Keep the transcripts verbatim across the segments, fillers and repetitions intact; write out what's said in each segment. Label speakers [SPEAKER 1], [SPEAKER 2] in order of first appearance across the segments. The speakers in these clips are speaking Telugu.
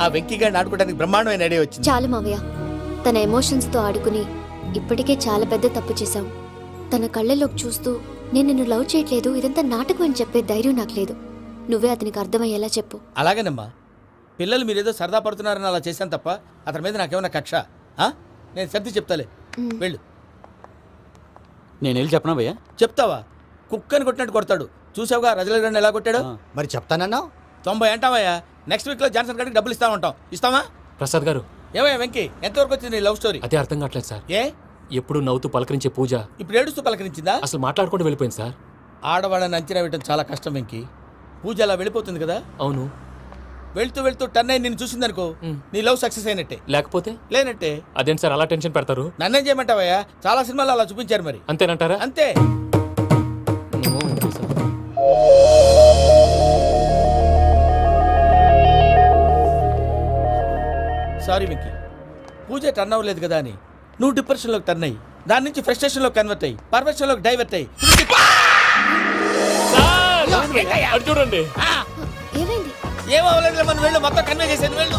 [SPEAKER 1] ఆ వెంకీ గారిని ఆడుకోవడానికి బ్రహ్మాండమైన ఐడియా వచ్చింది.
[SPEAKER 2] చాలు మావయ్య, తన ఎమోషన్స్ తో ఆడుకుని ఇప్పటికే చాలా పెద్ద తప్పు చేశావు. తన కళ్ళలోకి చూస్తూ నేను నిన్ను లవ్ చేయట్లేదు, ఇదంతా నాటకం అని చెప్పే ధైర్యం నాకు లేదు. నువ్వే అతనికి అర్థమయ్యేలా చెప్పు.
[SPEAKER 1] అలాగేనమ్మా, పిల్లలు మీరేదో సరదా పడుతున్నారని అలా చేశాను తప్ప అతని మీద నాకేమన్నా కక్ష? నేను సర్ది చెప్తాలే, వెళ్ళు.
[SPEAKER 3] నేను వెళ్ళి చెప్పనా భయ్యా?
[SPEAKER 1] చెప్తావా? కుక్కని కొట్టినట్టు కొడతాడు. చూసావుగా రజల గారిని ఎలా కొట్టాడు?
[SPEAKER 4] మరి చెప్తానన్నావు.
[SPEAKER 1] తొంభై అంటావయ్యా. నెక్స్ట్ వీక్ లో జాన్సన్ గారికి డబ్బులు ఇస్తా ఉంటాం. ఇస్తావా?
[SPEAKER 5] ప్రసాద్ గారు,
[SPEAKER 1] ఏమయ్యా వెంకీ, ఎంతవరకు వచ్చింది నీ లవ్ స్టోరీ?
[SPEAKER 5] అదే అర్థం కావట్లేదు సార్.
[SPEAKER 1] ఏ
[SPEAKER 5] ఎప్పుడు నవ్వుతూ పలకరించే పూజ
[SPEAKER 1] ఇప్పుడు ఏడుస్తూ పలకరించిందా?
[SPEAKER 5] అసలు మాట్లాడుకుంటూ వెళ్ళిపోయింది సార్.
[SPEAKER 1] ఆడవాళ్ళని అంచనా వేయడం చాలా కష్టం వెంకీ. పూజ అలా వెళ్ళిపోతుంది కదా.
[SPEAKER 5] అవును.
[SPEAKER 1] వెళ్తూ వెళ్తూ టర్న్ అయి నిన్ను చూసిందనుకో, నీ లవ్ సక్సెస్ అయినట్టే.
[SPEAKER 5] లేకపోతే
[SPEAKER 1] లేనట్టే.
[SPEAKER 5] అదేంటి సార్ అలా టెన్షన్ పెడతారు?
[SPEAKER 1] నన్నేం చేయమంటావయ్యా? చాలా సినిమాలు అలా చూపించారు. మరి
[SPEAKER 5] అంతేనంటారా?
[SPEAKER 1] అంతే. సారీ వెంకీ, పూజ టర్న్ అవ్వలేదు కదా అని నువ్వు డిప్రెషన్ లోకి టర్న్ అయ్యి దాని నుంచి ఫ్రస్ట్రేషన్ లో కన్వర్ట్ అయ్యి పర్వర్షన్ లోకి డైవర్ట్ అయ్యి
[SPEAKER 5] చూడండి.
[SPEAKER 2] ఏమైంది?
[SPEAKER 1] ఏం అవ్వలేదు, మనం వెళ్ళు, మొత్తం కన్వే చేసేది వెళ్ళు.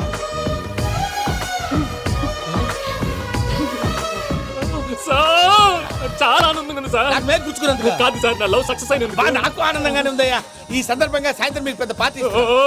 [SPEAKER 5] చాలా ఆనందంగా ఉంది సార్.
[SPEAKER 1] నాకు మేలు గుచ్చుకున్నందుకు
[SPEAKER 5] కాదు సార్, నా లవ్ సక్సెస్ అయినందుకు.
[SPEAKER 1] బా, నాకు ఆనందంగానే ఉందయ్యా. ఈ సందర్భంగా సాయంత్రం మీకు పెద్ద పార్టీ.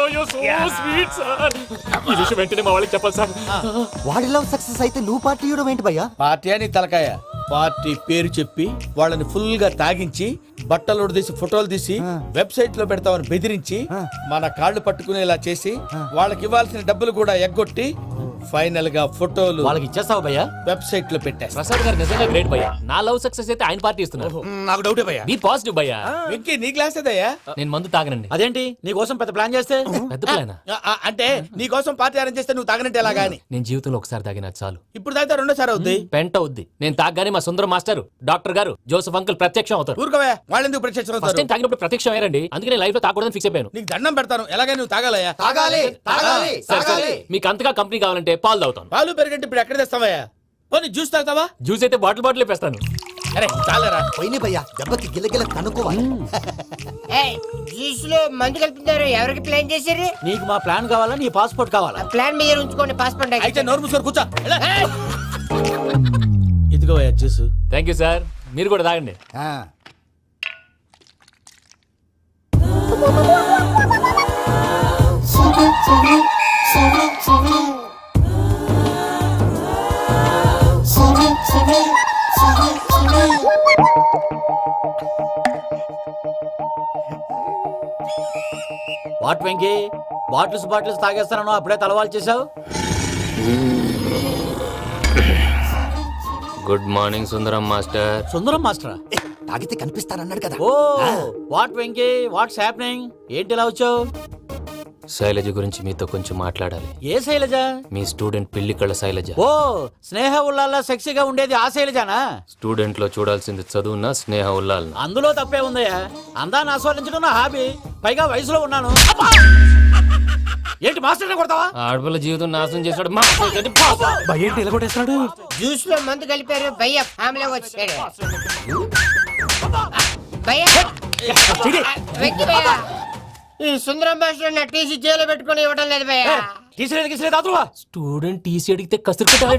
[SPEAKER 5] ఈ విషయం వెంటనే మా వాళ్ళకి చెప్పాలి సార్.
[SPEAKER 4] వాడి లవ్ సక్సెస్ అయితే నువ్వు పార్టీ ఇవ్వడం ఏంటి భయ్యా?
[SPEAKER 1] పార్టీ అని తలకాయ. పార్టీ పేరు చెప్పి వాళ్ళని ఫుల్ గా తాగించి బట్టలు తీసి ఫోటోలు తీసి వెబ్సైట్ లో పెడతామని బెదిరించి మన కాళ్ళు పట్టుకునేలా చేసి వాళ్ళకి ఇవ్వాల్సిన డబ్బులు కూడా ఎగ్గొట్టి ఫైనల్ గా ఫోటోలు
[SPEAKER 3] వాళ్ళకి ఇచ్చేస్తావు భయ్యా?
[SPEAKER 1] వెబ్సైట్ లో పెట్టా.
[SPEAKER 5] ప్రసాద్ గారు నిజంగా గ్రేట్ భయ్యా. నా లవ్ సక్సెస్ అయితే ఆయన పార్టీ ఇస్తున్నారు.
[SPEAKER 1] నాకు డౌటే భయ్యా.
[SPEAKER 5] బీ పాజిటివ్ భయ్యా.
[SPEAKER 1] వెంకీ, నీ గ్లాస్ ఏదయ్యా?
[SPEAKER 5] నేను మందు తాగనండి.
[SPEAKER 3] అదేంటి నీ కోసం పెద్ద ప్లాన్ చేస్తే?
[SPEAKER 5] పెద్ద ప్లానా?
[SPEAKER 1] అంటే నీ కోసం పార్టీ అరేంజ్ చేస్తే నువ్వు తాగనంటే ఎలాగా అని.
[SPEAKER 5] నేను జీవితంలో ఒకసారి తాగినా చాలు.
[SPEAKER 1] ఇప్పుడు తాగితే రెండోసారి అవుద్ది.
[SPEAKER 5] పెంట అవుద్ది. నేను తాగగానే మా సుందరం మాస్టర్, డాక్టర్ గారు, జోసఫ్ అంకుల్ ప్రత్యక్షం అవుతారు.
[SPEAKER 1] ఊరుకోవే, వాళ్ళు ఎందుకు ప్రత్యక్షం
[SPEAKER 5] ఫస్ట్
[SPEAKER 1] అవుతారు?
[SPEAKER 5] టైం తాగినప్పుడు ప్రత్యక్షం అయ్యారండి. అందుకే నేను లైఫ్ లో తాగకూడదని ఫిక్స్ అయిపోయాను.
[SPEAKER 1] నీకు దండం పెడతాను, ఎలాగైనా నువ్వు తాగాలయ్యా.
[SPEAKER 4] తాగాలి తాగాలి
[SPEAKER 5] సరే, సరే.
[SPEAKER 4] తాగాలి.
[SPEAKER 5] మీకు అంతగా కంపెనీ కావాలంటే పాలు తాగుతాను.
[SPEAKER 1] పాలు పెరిగంటే ఇప్పుడు ఎక్కడ తెస్తావయ్యా? పోనీ జ్యూస్ తాగుతావా?
[SPEAKER 5] జ్యూస్ అయితే బాటిల్ బాటిల్ వేస్తాను.
[SPEAKER 1] అరే చాలరా.
[SPEAKER 4] పోయిన భయ్యా, దెబ్బకి గిల్లగిల్ల కనుక్కోవాలి.
[SPEAKER 6] జ్యూస్ లో మందు కలుపుతున్నారు. ఎవరికి ప్లాన్ చేశారు?
[SPEAKER 3] నీకు మా ప్లాన్ కావాలా, నీ పాస్పోర్ట్ కావాలా?
[SPEAKER 6] ప్లాన్ మీద ఉంచుకోండి, పాస్పోర్ట్
[SPEAKER 1] అయితే నోరు మూసుకొని కూర్చో. ఇదిగోయా జ్యూస్.
[SPEAKER 5] Thank you sir. మీరు కూడా తాగండి.
[SPEAKER 4] ఆ.
[SPEAKER 3] వాట్ వెంకీ, బాటిల్స్ బాటిల్స్ తాగేస్తాను అప్పుడే తలవాలు చేసావు.
[SPEAKER 5] Good morning Sundaram master.
[SPEAKER 3] Sundaram మాస్టరా?
[SPEAKER 4] ఏ, తాగితే కనిపిస్తానన్నాడు కదా.
[SPEAKER 3] Oh what Venky, what's happening? ఏంటి ఇలా వచ్చావు?
[SPEAKER 5] శైలజ గురించి మీతో కొంచెం మాట్లాడాలి.
[SPEAKER 3] ఏ శైలజ?
[SPEAKER 5] మీ స్టూడెంట్ పిల్లి కళ్ళ శైలజ.
[SPEAKER 3] ఓ స్నేహ ఉల్లాల్లో సెక్సీగా ఉండేది ఆ శైలజానా?
[SPEAKER 5] స్టూడెంట్ లో చూడాల్సింది చదువున స్నేహ ఉల్లాల్.
[SPEAKER 3] అందులో తప్పే ఉందయ్యా. అందాన్ని ఆస్వాదించడం నా హాబీ. పైగా వయసులో ఉన్నాను. ఏంటి మాస్టర్ కొడతావా?
[SPEAKER 5] ఆడపిల్ల జీవితం నాశనం చేశాడు.
[SPEAKER 3] ఏంటి ఇలా కొట్టేస్తున్నాడు?
[SPEAKER 6] జ్యూస్ లో మందు కలిపారు. భయ్య ఫ్యామిలీ వచ్చాడు. భయ్య వెక్కి భయ్య, ఈ సుందరం భాష నా టీసీ జైలు పెట్టుకుని ఇవ్వడం లేదు భయ్య.
[SPEAKER 3] తీసిలేదు తీసిలేదు అదువా.
[SPEAKER 5] స్టూడెంట్ టీసీ అడిగితే కసురుకుంటాడు.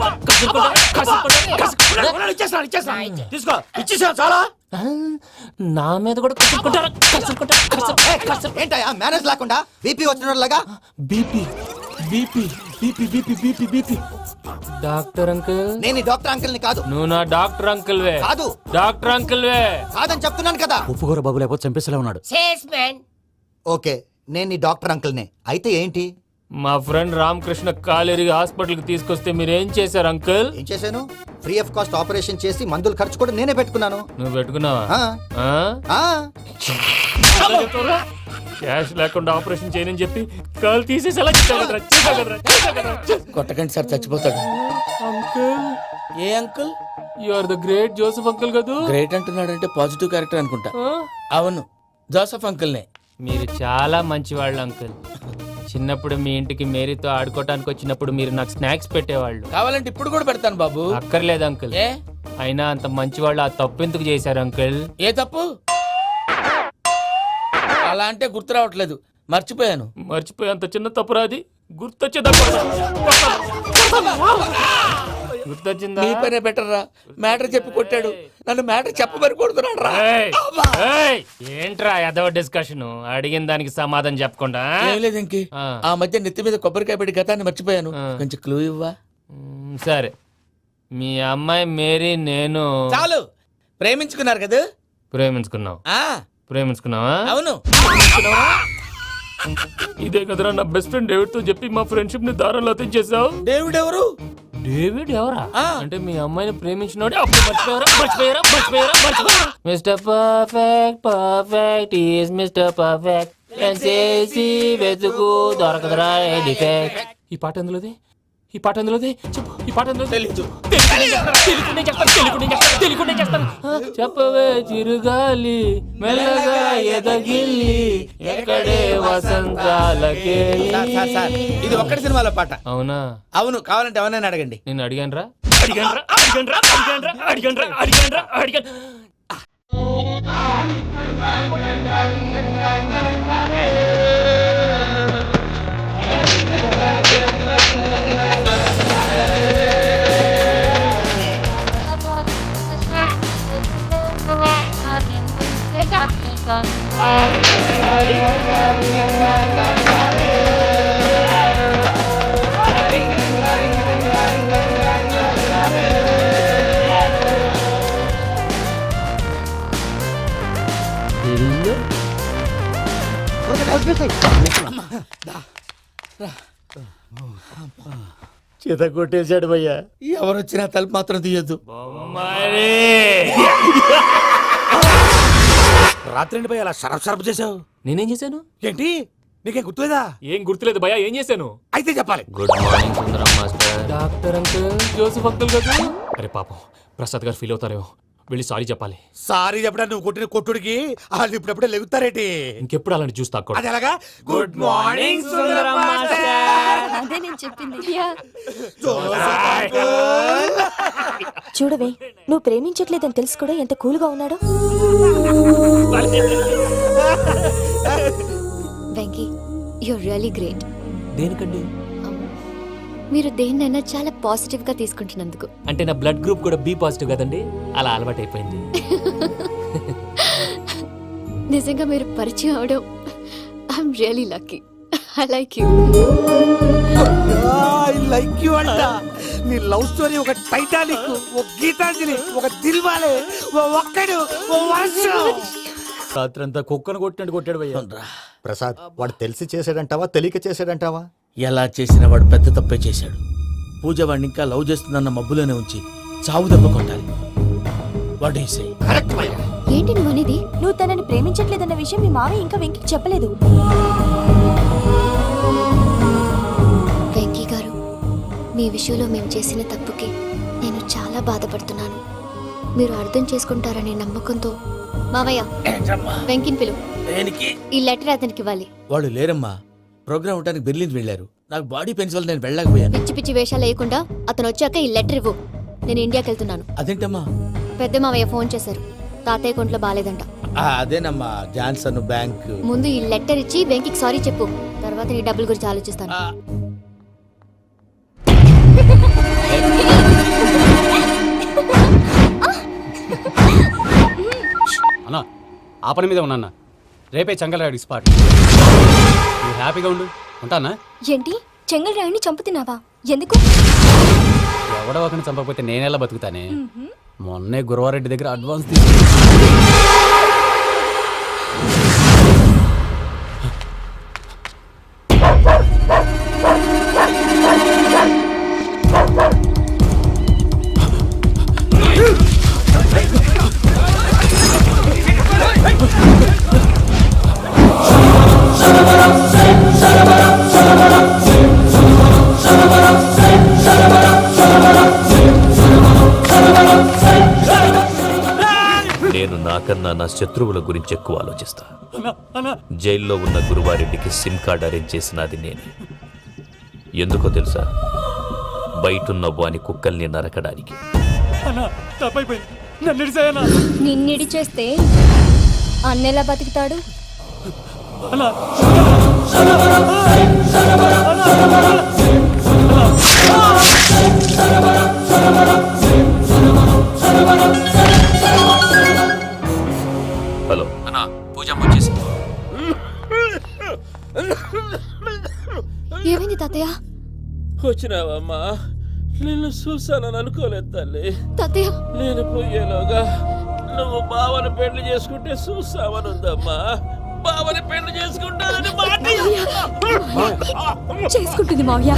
[SPEAKER 3] తీసుకో, ఇచ్చేసా చాలా.
[SPEAKER 5] నా మీద కూడా కసురుకుంటారా?
[SPEAKER 4] ఏంటయ్యా మేనేజ్ లేకుండా బీపీ వచ్చినలాగా?
[SPEAKER 5] BP BP BP BP BP BP. Doctor uncle,
[SPEAKER 4] నేను ఈ డాక్టర్ అంకుల్ ని కాదు.
[SPEAKER 5] నువ్వు నా డాక్టర్ అంకుల్ వే.
[SPEAKER 4] కాదు.
[SPEAKER 5] డాక్టర్ అంకుల్ వే
[SPEAKER 4] కాదని చెప్తున్నాను కదా.
[SPEAKER 3] ఉప్పుకూర బాబు లేకపోతే చంపేసేలా ఉన్నాడు.
[SPEAKER 6] Sales man.
[SPEAKER 4] ఓకే, నేను ఈ డాక్టర్ అంకుల్ నే. అయితే ఏంటి?
[SPEAKER 5] మా ఫ్రెండ్ రామకృష్ణ కాలేరికి హాస్పిటల్ కి తీసుకొస్తే మీరు ఏం చేశారు అంకుల్?
[SPEAKER 4] ఏం చేశాను? ఫ్రీ ఆఫ్ కాస్ట్ ఆపరేషన్ చేసి మందుల ఖర్చు కూడా నేనే పెట్టుకున్నాను.
[SPEAKER 5] నువ్వు పెట్టుకున్నావా?
[SPEAKER 4] ఆ.
[SPEAKER 5] ఆ?
[SPEAKER 4] ఆ.
[SPEAKER 5] క్యాష్ లేకుండా ఆపరేషన్ చేయనని చెప్పి కాల్ తీసేసి ఎలా
[SPEAKER 1] కొట్టకండి సార్, చచ్చిపోతాడు.
[SPEAKER 5] అంకుల్,
[SPEAKER 1] ఏ uncle?
[SPEAKER 5] You are the great Joseph uncle కదా.
[SPEAKER 1] గ్రేట్ అంటున్నాడంటే పాజిటివ్ క్యారెక్టర్ అనుకుంటా. అవును, జోసఫ్ అంకుల్నే.
[SPEAKER 5] మీరు చాలా మంచివాళ్ళు అంకుల్. చిన్నప్పుడు మీ ఇంటికి మేరీతో ఆడుకోవటానికి వచ్చినప్పుడు మీరు నాకు స్నాక్స్ పెట్టేవాళ్ళు.
[SPEAKER 1] కావాలంటే ఇప్పుడు కూడా పెడతాను బాబు.
[SPEAKER 5] అక్కర్లేదు అంకుల్.
[SPEAKER 1] ఏ
[SPEAKER 5] అయినా అంత మంచివాళ్ళు ఆ తప్పు ఎందుకు చేశారు అంకుల్?
[SPEAKER 1] ఏ తప్పు? అలా అంటే గుర్తు రావట్లేదు, మర్చిపోయాను.
[SPEAKER 5] మర్చిపోయి అంత చిన్న తప్పు రాది. గుర్తొచ్చేదా గుర్తొచ్చిందా
[SPEAKER 1] నీ పనే బెటర్ రా. మ్యాటర్ చెప్పి కొట్టాడు, నన్ను మ్యాటర్ చెప్పమని కొడుతున్నాడు రా.
[SPEAKER 5] ఏయ్, ఏయ్, ఏంట్రా ఎదవ డిస్కషన్? అడిగిన దానికి సమాధానం చెప్పకుండా
[SPEAKER 1] ఏం లేదు ఇంకి,
[SPEAKER 5] ఆ.
[SPEAKER 1] ఆ మధ్య నెత్తి మీద కొబ్బరికాయ పెట్టి గతాన్ని మర్చిపోయాను.
[SPEAKER 5] ఆ.
[SPEAKER 1] కొంచెం క్లూ ఇవ్వా?
[SPEAKER 5] మ్, సరే, మీ అమ్మాయి మేరీ నేను
[SPEAKER 1] చాలు, ప్రేమించుకున్నారు కదా?
[SPEAKER 5] ప్రేమించుకున్నావు
[SPEAKER 1] ఆ
[SPEAKER 5] ప్రేమించుకున్నావా?
[SPEAKER 1] అవును.
[SPEAKER 5] ఇదే కదరా నా బెస్ట్ ఫ్రెండ్ డేవిడ్ తో చెప్పి మా ఫ్రెండ్షిప్ ని దారంలో తెచ్చేసావు.
[SPEAKER 1] దేవుడు ఎవరు?
[SPEAKER 5] డేవిడ్ ఎవరా?
[SPEAKER 1] ఆ.
[SPEAKER 5] అంటే మీ అమ్మాయిని ప్రేమించినోడే అప్పుడు మర్చిపోయారా మర్చిపోయారా మర్చిపోయారా మర్చిపోయారా mister perfect perfect is mister perfect చేసి వెతుకు దొరకదురా డిఫెక్ట్. ఈ పాట ఎందులోది? ఈ పాట ఎందులోది? చెప్పు, ఈ పాట ఎందులో?
[SPEAKER 1] తెలీదు.
[SPEAKER 5] తెలుగునే చెప్తాను తెలుగునే చెప్తాను తెలుగునే చెప్తాను చెప్పవే చిరుగాలి మెల్లగా ఎదగిల్లి ఎక్కడే వసంతాలకే.
[SPEAKER 1] సార్, సార్, సార్, ఇది ఒక్కటి సినిమాలో పాట.
[SPEAKER 5] అవునా?
[SPEAKER 1] అవును, కావాలంటే ఎవరైనా అడగండి.
[SPEAKER 5] నేను అడిగాను రా అడిగాను రా అడిగాను రా అడిగాను రా అడిగాను రా అడిగాను రా అడిగాను.
[SPEAKER 3] చేత కొట్టేశాడు భయ్యా.
[SPEAKER 1] ఎవరు వచ్చినా తలుపు మాత్రం తీయొద్దు.
[SPEAKER 5] బొమ్మరి.
[SPEAKER 7] రాత్రి భయ అలా షరఫ్ షరఫ్ చేసావు
[SPEAKER 5] నేనేం చేశాను?
[SPEAKER 7] ఏంటి? నీకేం గుర్తులేదా?
[SPEAKER 5] ఏం గుర్తులేదు భయ్యా, ఏం చేశాను?
[SPEAKER 7] అయితే చెప్పాలి.
[SPEAKER 5] Good morning Sundaram master. Doctor uncle, Joseph uncle కదా? అరే పాపం, ప్రసాద్ గారు ఫీల్ అవుతారేమో, వెళ్ళి సారీ చెప్పాలి.
[SPEAKER 7] సారీ చెప్పడా నువ్వు కొట్టిన కొట్టుడికి వాళ్ళు ఇప్పుడప్పుడే లెగుతారేటి?
[SPEAKER 5] ఇంకెప్పుడు అలాంటి జ్యూస్ తాక్కూడదు.
[SPEAKER 7] అది ఎలాగా? Good morning Sundaram master.
[SPEAKER 2] అదే నేను చెప్పింది.
[SPEAKER 8] చూడవే, నువ్వు ప్రేమించట్లేదని తెలుసు కూడా ఎంత కూల్గా ఉన్నాడో.
[SPEAKER 2] Venky, you're really great.
[SPEAKER 5] దేనికండి?
[SPEAKER 2] మీరు దేన్నైనా చాలా పాజిటివ్ గా తీసుకుంటున్నందుకు.
[SPEAKER 5] అంటే నా బ్లడ్ గ్రూప్ కూడా బి పాజిటివ్ కదండి, అలా అలవాటు అయిపోయింది.
[SPEAKER 2] నిజంగా మీరు పరిచయం అవడం I'm really lucky. I like you.
[SPEAKER 7] I like you అంట. నీ లవ్ స్టోరీ ఒక టైటానిక్, ఒక గీతాంజలి, ఒక దిల్వాలే, ఓ ఒక్కడు, ఓ వర్షం.
[SPEAKER 3] రాత్రంతా కుక్కను కొట్టినట్టు కొట్టాడు భయ్యా.
[SPEAKER 4] ప్రసాద్, వాడు తెలిసి చేసాడంటావా తెలియక చేసాడంటావా?
[SPEAKER 1] ఎలా చేసినా వాడు పెద్ద తప్పే చేశాడు. పూజ వాడిని ఇంకా లవ్ చేస్తుందన్న మబ్బులోనే ఉంచి చావు దెబ్బ కొట్టాలి. What you say?
[SPEAKER 7] కరెక్ట్ భయ్యా.
[SPEAKER 2] ఏంటి నువ్వు అనేది?
[SPEAKER 8] నువ్వు తనని ప్రేమించట్లేదన్న విషయం మీ మావయ్య ఇంకా వెంకికి చెప్పలేదు.
[SPEAKER 2] వెంకీ గారు, మీ విషయంలో మేము చేసిన తప్పుకి నేను చాలా బాధపడుతున్నాను. మీరు అర్థం చేసుకుంటారనే నమ్మకంతో మావయ్య వెంకిని పిలు.
[SPEAKER 1] దేనికి?
[SPEAKER 2] ఈ లెటర్ అతనికి ఇవ్వాలి.
[SPEAKER 1] వాళ్ళు లేరమ్మా, ప్రోగ్రామ్ ఉండడానికి బెర్లిన్ వెళ్ళారు. నాకు బాడీ పెయిన్స్ వల్ల నేను వెళ్ళలేకపోయాను.
[SPEAKER 2] పిచ్చి పిచ్చి వేషాలు వేయకుండా అతను వచ్చాక ఈ లెటర్ ఇవ్వు. నేను ఇండియాకి వెళ్తున్నాను.
[SPEAKER 1] అదేంటమ్మా?
[SPEAKER 2] పెద్ద మావయ్య ఫోన్ చేశారు, తాతయ్య కొంట్లో బాలేదంట.
[SPEAKER 1] ఆ, అదేనమ్మా, జాన్సన్ బ్యాంక్.
[SPEAKER 2] ముందు ఈ లెటర్ ఇచ్చి వెంకికి సారీ చెప్పు, తర్వాత నీ డబ్బుల గురించి ఆలోచిస్తాను.
[SPEAKER 1] ఆ,
[SPEAKER 9] అన్నా, ఆ పని మీద ఉన్నా. రేపే చంగలరాయుడికి స్పాట్. నువ్వు హ్యాపీగా ఉండు. ఉంటానా?
[SPEAKER 8] ఏంటి, చెంగల్ రాయుడిని చంపుతున్నావా? ఎందుకు?
[SPEAKER 9] ఎవడో ఒకరిని చంపకపోతే నేనెలా బతుకుతానే? మొన్నే గురవారెడ్డి దగ్గర అడ్వాన్స్ తీసుకు
[SPEAKER 10] నేను నాకన్నా నా శత్రువుల గురించి ఎక్కువ ఆలోచిస్తా. జైల్లో ఉన్న గురువారెడ్డికి సిమ్ కార్డ్ అరేంజ్ చేసినది నేనే. ఎందుకో తెలుసా? బయటున్న వాని కుక్కల్ని నరకడానికి.
[SPEAKER 8] నిన్నిడి చేస్తే అన్నెలా బతుకుతాడు?
[SPEAKER 10] హలో
[SPEAKER 9] అన్నా పూజమ్మ వచ్చేసింది.
[SPEAKER 2] ఏమైంది తాతయ్య?
[SPEAKER 1] వచ్చినావమ్మా, నిన్ను చూసానని అనుకోలేదు తల్లి.
[SPEAKER 2] తాతయ్య
[SPEAKER 1] నేను పోయేలోగా నువ్వు బావని పెళ్లి చేసుకుంటే చూసావని ఉందమ్మా. బావని పెళ్లి చేసుకుంటానని మాట
[SPEAKER 8] చేసుకుంటుంది మావయ్య.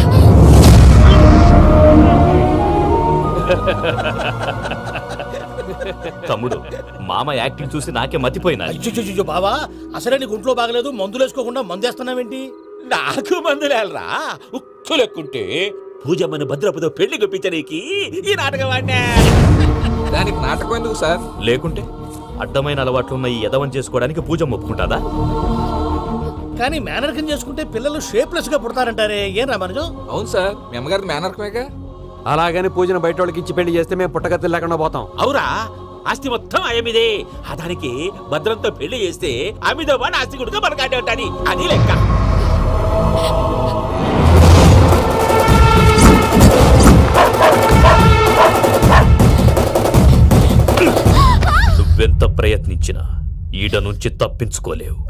[SPEAKER 10] తమ్ముడు, మామ యాక్టింగ్ చూసి నాకే మతిపోయినా.
[SPEAKER 7] అయ్యో బావా, అసలే నీకు ఒంట్లో బాగలేదు, మందులు వేసుకోకుండా మందు వేస్తున్నావేంటి?
[SPEAKER 1] నాకు మందులేలరా, ఉక్కు లెక్కుంటే పూజమ్మని భద్రపదో పెళ్లి గుప్పించనీకి ఈ నాటకం ఆడినా.
[SPEAKER 9] దానికి నాటకం ఎందుకు సార్?
[SPEAKER 10] లేకుంటే అడ్డమైన అలవాట్లున్న ఈ యదవం చేసుకోవడానికి పూజమ్మ ఒప్పుకుంటాదా?
[SPEAKER 7] కానీ మేనర్కం చేసుకుంటే పిల్లలు షేప్లెస్ గా పుడతారంటారే, ఏం రామానుజం?
[SPEAKER 9] అవును సార్, మీ అమ్మగారి మేనర్కమేగా. అలాగని పూజను బయట వాళ్ళకి ఇచ్చి పెళ్లి చేస్తే మేము పుట్టగతి లేకుండా పోతాం.
[SPEAKER 1] అవురా, ఆస్తి మొత్తం ఆయమిదే. ఆ దానికి భద్రంతో పెళ్లి చేస్తే ఆమెతో పాటు ఆస్తి గుడుగా మనకాడే ఉంటాని, అది లెక్క.
[SPEAKER 10] నువ్వెంత ప్రయత్నించినా ఈడ నుంచి తప్పించుకోలేవు.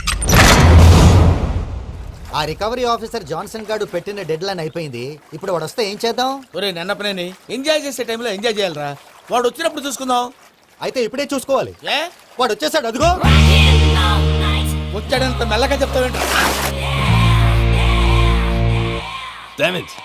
[SPEAKER 4] ఆ రికవరీ ఆఫీసర్ జాన్సన్ గారు పెట్టిన డెడ్ లైన్ అయిపోయింది. ఇప్పుడు వాడు వస్తే ఏం చేద్దాం?
[SPEAKER 1] ఒరే నన్నపనేని, ఎంజాయ్ చేసే టైంలో ఎంజాయ్ చేయాలరా. వాడు వచ్చినప్పుడు చూసుకుందాం.
[SPEAKER 4] అయితే ఇప్పుడే చూసుకోవాలి.
[SPEAKER 1] ఏ
[SPEAKER 4] వాడు వచ్చేసాడు, అదిగో.
[SPEAKER 1] వచ్చాడంత మెల్లగా చెప్తావేంటి?
[SPEAKER 10] Damn it.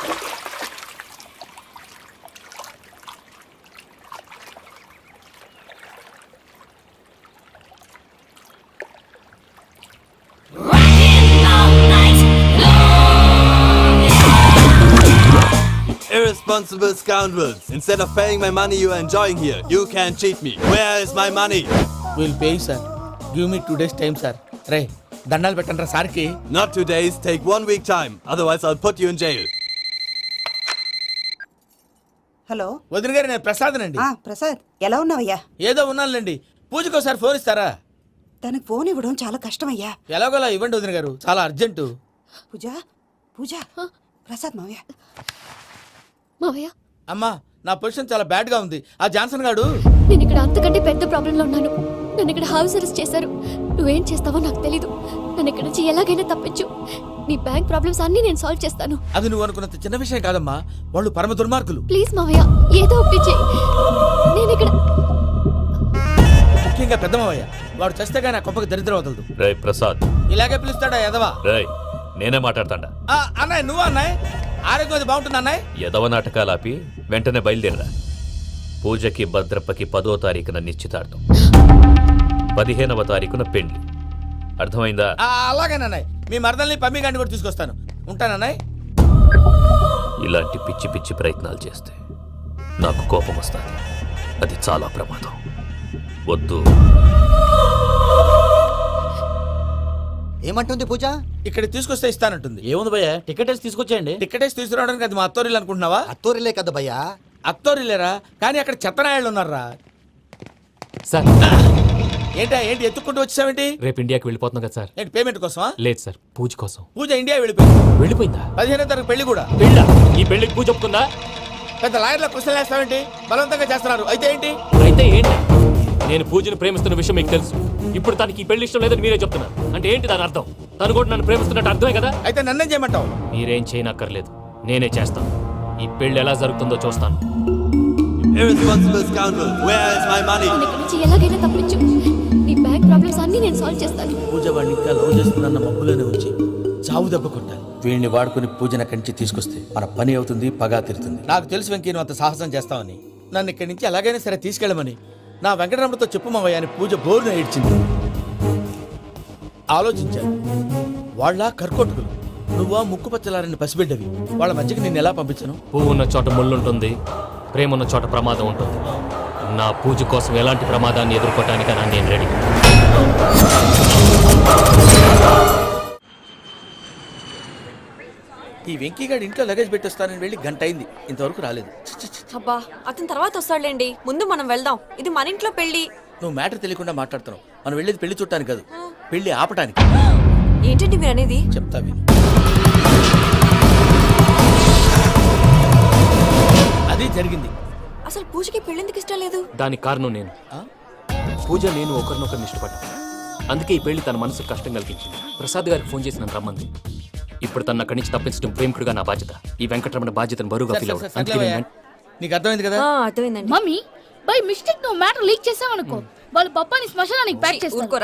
[SPEAKER 11] Irresponsible scoundrels. Instead of paying my money you are enjoying here, you can cheat me. Where is my money?
[SPEAKER 1] Will pay sir. Give me two days time sir. రే దండాలు పెట్టండి రా సార్కి.
[SPEAKER 11] Not two days, take one week time. Otherwise I'll put you in jail.
[SPEAKER 12] Hello
[SPEAKER 1] వదిన గారు, నేను ప్రసాదనండి.
[SPEAKER 12] ఆ ప్రసాద్, ఎలా ఉన్నావయ్యా?
[SPEAKER 1] ఏదో ఉన్నానులేండి. పూజకి ఒకసారి ఫోన్ ఇస్తారా?
[SPEAKER 12] తనకు ఫోన్ ఇవ్వడం చాలా కష్టమయ్యా.
[SPEAKER 1] ఎలాగోలా ఇవ్వండి వదిన గారు, చాలా అర్జెంటు.
[SPEAKER 12] పూజ పూజ ప్రసాద్ మావయ్య.
[SPEAKER 2] మావయ్య,
[SPEAKER 1] అమ్మా, నా పొజిషన్ చాలా బ్యాడ్ గా ఉంది. ఆ జాన్సన్ గాడు
[SPEAKER 2] నేను ఇక్కడ అంతకంటే పెద్ద ప్రాబ్లంలో ఉన్నాను. నన్ను ఇక్కడ హౌస్ అరెస్ట్ చేశారు. నువ్వేం చేస్తావో నాకు తెలీదు. నన్ను ఇక్కడ నుంచి ఎలాగైనా తప్పించు. నీ బ్యాంక్ ప్రాబ్లమ్స్ అన్ని నేను సాల్వ్ చేస్తాను.
[SPEAKER 1] అది నువ్వు అనుకున్నంత చిన్న విషయం కాదమ్మా. వాళ్ళు పరమ దుర్మార్గులు.
[SPEAKER 2] ప్లీజ్ మావయ్య, ఏదో ఒకటి చెయ్యి. నేను ఇక్కడ
[SPEAKER 1] ముఖ్యంగా పెద్ద మావయ్య, వాడు చస్తే కానీ ఆ కొంపకి దరిద్రం వదలదు.
[SPEAKER 10] రేయ్ ప్రసాద్.
[SPEAKER 1] ఇలాగే పిలుస్తాడా ఎదవా?
[SPEAKER 10] రేయ్, నేనే మాట్లాడతాడా?
[SPEAKER 1] ఆ, అన్నయ్య నువ్వు అన్నయ్య, ఆరోగ్యం అది బాగుంటుంది అన్నయ్య.
[SPEAKER 10] యదవ నాటకాలు ఆపి వెంటనే బయలుదేరరా. పూజకి భద్రప్పకి పదో తారీఖున నిశ్చితార్థం, పదిహేనవ తారీఖున పెళ్లి. అర్థమైందా?
[SPEAKER 1] ఆ, అలాగేనన్నయ్య. మీ మరదల్ని పమ్మి గాండి కూడా తీసుకొస్తాను. ఉంటానన్నయ్య.
[SPEAKER 10] ఇలాంటి పిచ్చి పిచ్చి ప్రయత్నాలు చేస్తే నాకు కోపం వస్తుంది. అది చాలా ప్రమాదం. వద్దు.
[SPEAKER 4] ఏమంటుంది పూజ?
[SPEAKER 1] ఇక్కడ తీసుకొస్తే ఇస్తానంటుంది.
[SPEAKER 3] ఏముంది భయ్య, టికెట్ వేసి తీసుకొచ్చేయండి.
[SPEAKER 1] టికెట్ వేసి తీసుకురావడానికి అది మా అత్తోరిల్లు అనుకుంటున్నావా?
[SPEAKER 4] అత్తూరిలే కదా భయ్యా.
[SPEAKER 1] అత్తోరిల్లేరా, కానీ అక్కడ చెత్తనాయాళ్ళు ఉన్నారా.
[SPEAKER 5] సార్,
[SPEAKER 1] ఏంటా ఏంటి ఎత్తుక్కుంటూ వచ్చావేంటి?
[SPEAKER 5] రేపు ఇండియాకి వెళ్ళిపోతున్నాం కదా సార్.
[SPEAKER 1] ఏంటి పేమెంట్ కోసమా?
[SPEAKER 5] లేదు సార్, పూజ కోసం.
[SPEAKER 1] పూజ ఇండియా వెళ్ళిపోయింది.
[SPEAKER 5] వెళ్ళిపోయిందా?
[SPEAKER 1] పదిహేనో తారీఖు పెళ్లి కూడా.
[SPEAKER 5] పెళ్ళా? ఈ పెళ్లికి పూజ ఒప్పుకుందా?
[SPEAKER 1] పెద్ద లాయర్ల క్వశ్చన్ వేస్తావేంటి? బలవంతంగా చేస్తున్నారు. అయితే ఏంటి?
[SPEAKER 5] అయితే ఏంటి? నేను పూజను ప్రేమిస్తున్న విషయం మీకు తెలుసు. ఇప్పుడు తనకి ఈ పెళ్లి ఇష్టం లేదని మీరే చెప్తున్నారు. అంటే ఏంటి దాని అర్థం? తను కూడా నన్ను ప్రేమిస్తున్నట్టు అర్థమే కదా?
[SPEAKER 1] అయితే నన్నేం చేయమంటావు?
[SPEAKER 5] మీరేం చేయనక్కర్లేదు, నేనే చేస్తాను. ఈ పెళ్లి ఎలా జరుగుతుందో చూస్తాను.
[SPEAKER 11] Irresponsible scoundrel. Where is my money?
[SPEAKER 2] నన్ను ఇక్కడ నుంచి ఎలాగైనా తప్పించు. నీ బ్యాంక్ ప్రాబ్లమ్స్ అన్ని నేను సాల్వ్ చేస్తాను.
[SPEAKER 1] పూజ వాడిని ఇంకా లవ్ చేస్తుందన్న మబ్బులోనే వచ్చి చావు దెబ్బ కొట్టాలి. వీడిని వాడుకుని పూజన కంచి తీసుకొస్తే మన పని అవుతుంది, పగా తీరుతుంది. నాకు తెలుసు వెంకీ, నువ్వు అంత సాహసం చేస్తావని. నన్ను ఇక్కడి నుంచి ఎలాగైనా సరే తీసుకెళ్ళమని నా వెంకటరమణతో చెప్పు మావయ్య అని పూజ బోరున ఏడ్చింది. ఆలోచించాను. వాళ్ళ కర్కోటకులు, నువ్వా ముక్కు పచ్చలారని పసిబిడ్డవి. వాళ్ళ మధ్యకి నేను ఎలా పంపించను?
[SPEAKER 5] పువ్వు ఉన్న చోట ముళ్ళు ఉంటుంది, ప్రేమ ఉన్న చోట ప్రమాదం ఉంటుంది. నా పూజ కోసం ఎలాంటి ప్రమాదాన్ని ఎదుర్కోవటానికైనా నేను రెడీ.
[SPEAKER 1] ఈ వెంకీగాడి ఇంట్లో లగేజ్ పెట్టొస్తానని వెళ్ళి గంట అయింది, ఇంతవరకు రాలేదు. ఛ, ఛ, ఛ.
[SPEAKER 8] అబ్బా, అతని తర్వాత వస్తాడులేండి. ముందు మనం వెళ్దాం. ఇది మన ఇంట్లో పెళ్లి.
[SPEAKER 1] నువ్వు మ్యాటర్ తెలియకుండా మాట్లాడుతున్నావు. మనం వెళ్ళేది పెళ్లి చూడటానికి కాదు, పెళ్లి ఆపటానికి.
[SPEAKER 8] ఏంటండి మీరు అనేది?
[SPEAKER 1] చెప్తా విను. అది జరిగింది.
[SPEAKER 8] అసలు పూజకి పెళ్ళెందుకు ఇష్టం లేదు?
[SPEAKER 5] దానికి కారణం నేను. పూజ నేను ఒకరినొకరిని ఇష్టపడ్డా. అందుకే ఈ పెళ్లి తన మనసుకు కష్టం కలిగించింది. ప్రసాద్ గారికి ఫోన్ చేసి నన్ను రమ్మంది. ఇప్పుడు తన అక్కడి నుంచి తప్పించడం ప్రేమికుడుగా నా బాధ్యత. ఈ వెంకటరమణ బాధ్యతను బరువుగా ఫీల్ అవ్వడం. అందుకే నేను వెంట-
[SPEAKER 1] నీకు అర్థమైంది కదా?
[SPEAKER 8] అర్థమైందండి.
[SPEAKER 2] మమ్మీ బై మిస్టేక్ నువ్వు మ్యాటర్ లీక్ చేసావనుకో, వాళ్ళు పప్పాని శ్మశానానికి ప్యాక్ చేస్తారు.